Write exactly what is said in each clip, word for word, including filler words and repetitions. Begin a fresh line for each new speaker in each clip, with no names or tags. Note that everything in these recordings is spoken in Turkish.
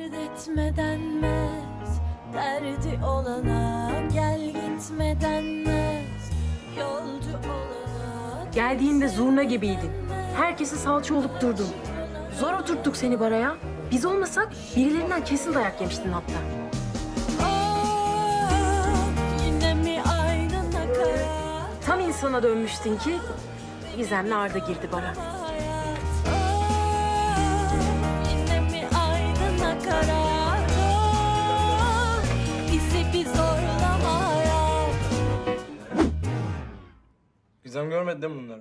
Dert etme denmez, derdi olana gel gitme denmez, yolcu olana...
Geldiğinde zurna gibiydin. Herkesi salça olup durdun. Zor oturttuk seni baraya. Biz olmasak birilerinden kesin dayak yemiştin hatta.
Of, yine mi aynı nakarat?
Tam insana dönmüştün ki Gizem'le Arda girdi bara.
Hayat, of, yine mi aynı nakarat? Of, bizi bir zorlama hayat.
Gizem görmedi değil mi bunları?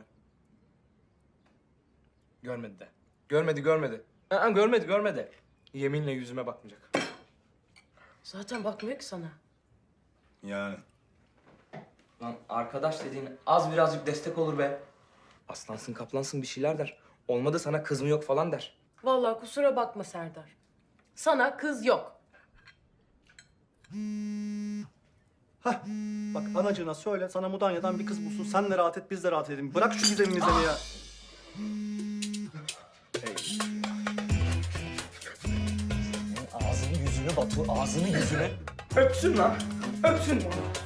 Görmedi de. Görmedi, görmedi. Aa, görmedi, görmedi. Yeminle yüzüme bakmayacak.
Zaten bakmıyor ki sana.
Yani.
Lan arkadaş dediğin az birazcık destek olur be. Aslansın, kaplansın bir şeyler der. Olmadı sana kız mı yok falan der.
Vallahi kusura bakma Serdar. Sana kız yok.
Hah. Bak anacığına söyle sana Mudanya'dan bir kız bulsun. Sen de rahat et biz de rahat edelim. Bırak şu gizemimizi ya.
Ağzını yüzünü Batu, ağzını yüzünü. Öpsün lan, öpsün.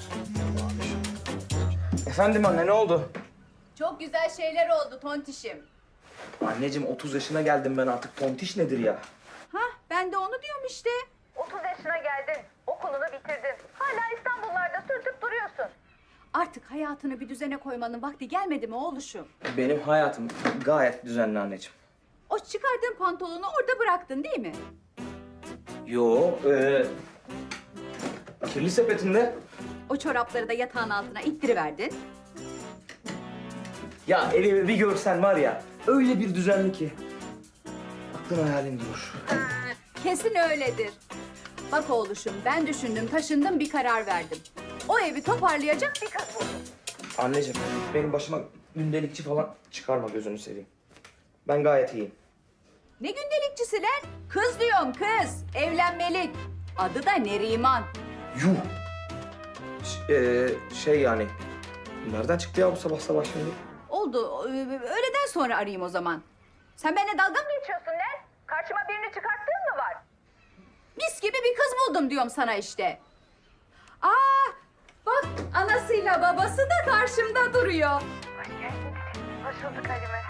Efendim anne ne oldu?
Çok güzel şeyler oldu tontişim.
Anneciğim otuz yaşına geldim ben artık. Tontiş nedir ya?
Hah ben de onu diyorum işte.
otuz yaşına geldin, okulunu bitirdin. Hala İstanbullarda sürtüp duruyorsun.
Artık hayatını bir düzene koymanın vakti gelmedi mi oğluşum?
Benim hayatım gayet düzenli anneciğim.
O çıkardığın pantolonu orada bıraktın değil mi?
Yo, ee, kirli sepetinde.
O çorapları da yatağın altına ittiriverdin.
Ya elimi bir görsen var ya, öyle bir düzenli ki. Aklın hayalin durur.
Kesin öyledir. Bak oğluşum ben düşündüm taşındım bir karar verdim. O evi toparlayacak bir kız buldum.
Anneciğim, benim başıma gündelikçi falan çıkarma gözünü seveyim. Ben gayet iyiyim.
Ne gündelikçisi lan? Kız diyorum kız. Evlenmelik. Adı da Neriman.
Yuh! Ş- ee, şey yani, nereden çıktı ya bu sabah sabah şimdi?
Oldu. Ee, Öğleden sonra arayayım o zaman. Sen benimle dalga mı
Geçiyorsun ne? Karşıma birini çıkarttığın mı var?
Mis gibi bir kız buldum diyorum sana işte. Aa, bak anasıyla babası da karşımda duruyor.
Hoş geldin. Hoş bulduk Halime.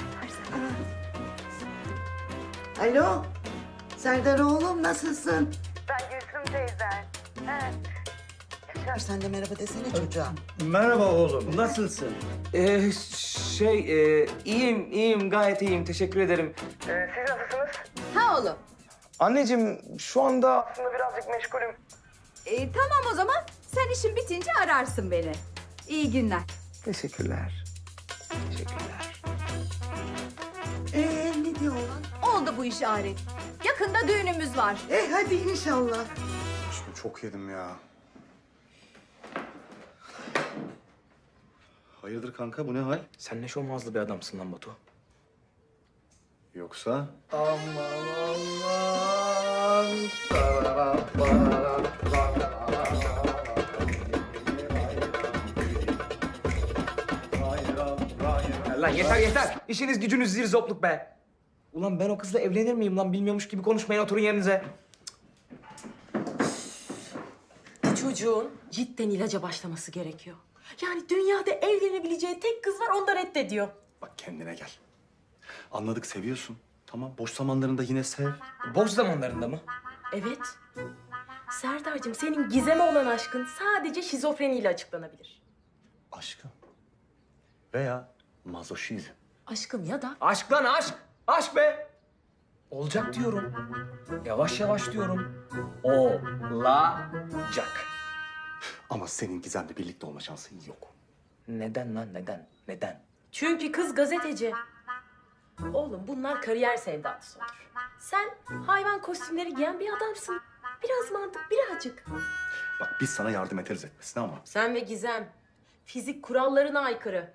Alo, Serdar oğlum nasılsın?
Ben Gülsüm teyzen. He.
Sen de merhaba desene çocuğa.
Merhaba oğlum. Nasılsın?
Ee, şey, ee, iyiyim, iyiyim, gayet iyiyim. Teşekkür ederim.
Ee, siz nasılsınız?
Ha oğlum.
Anneciğim, şu anda...
Aslında birazcık meşgulüm.
Ee, tamam o zaman sen işin bitince ararsın beni. İyi günler.
Teşekkürler. Teşekkürler.
Ee ne diyor oğlan?
Oldu bu iş Arif. Yakında düğünümüz var.
E hadi inşallah.
Aşkım çok yedim ya. Hayırdır kanka bu ne hal?
Sen ne şomazlı bir adamsın lan Batu.
Yoksa?
Lan yeter yeter. İşiniz gücünüz zir zopluk be. Ulan ben o kızla evlenir miyim lan? Bilmiyormuş gibi konuşmayın, oturun yerinize.
Bu çocuğun cidden ilaca başlaması gerekiyor. Yani dünyada evlenebileceği tek kız var, onu da reddediyor.
Bak kendine gel. Anladık seviyorsun. Tamam boş zamanlarında yine sev.
Boş zamanlarında mı?
Evet. Serdar'cığım senin Gizem'e olan aşkın sadece şizofreniyle açıklanabilir.
Aşkım. Veya mazoşizm.
Aşkım ya da
Aşk lan aşk. Aşk be. Olacak diyorum. Yavaş yavaş diyorum. Olacak.
Ama senin Gizem'le birlikte olma şansın yok.
Neden lan neden? Neden?
çünkü kız gazeteci. Oğlum bunlar kariyer sevdalısı olur. Sen hayvan kostümleri giyen bir adamsın. Biraz mantık, birazcık.
Bak biz sana yardım ederiz etmesine ama.
Sen ve Gizem fizik kurallarına aykırı.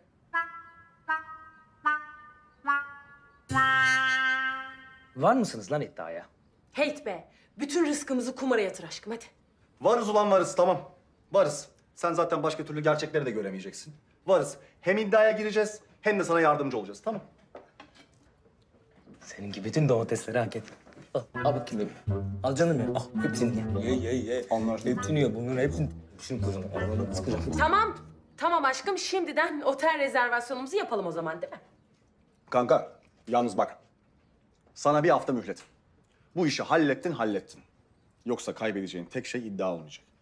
Var mısınız lan iddiaya?
Heyt be. Bütün rızkımızı kumara yatır aşkım hadi.
Varız ulan varız tamam. Varız. Sen zaten başka türlü gerçekleri de göremeyeceksin. Varız. Hem iddiaya gireceğiz hem de sana yardımcı olacağız tamam.
Seninki bütün domatesleri hak etti. Al, al bakayım bebeğim. Al canım ya. Al hepsini ye. Ye ye ye.
Anlaştık.
Hepsini ye. Bunların hepsini. Şunu koyalım. Arabadan sıkacağım.
Tamam. Tamam aşkım şimdiden otel rezervasyonumuzu yapalım o zaman değil mi?
Kanka, yalnız bak. Sana bir hafta mühlet. Bu işi hallettin, hallettin. Yoksa kaybedeceğin tek şey iddia olmayacak.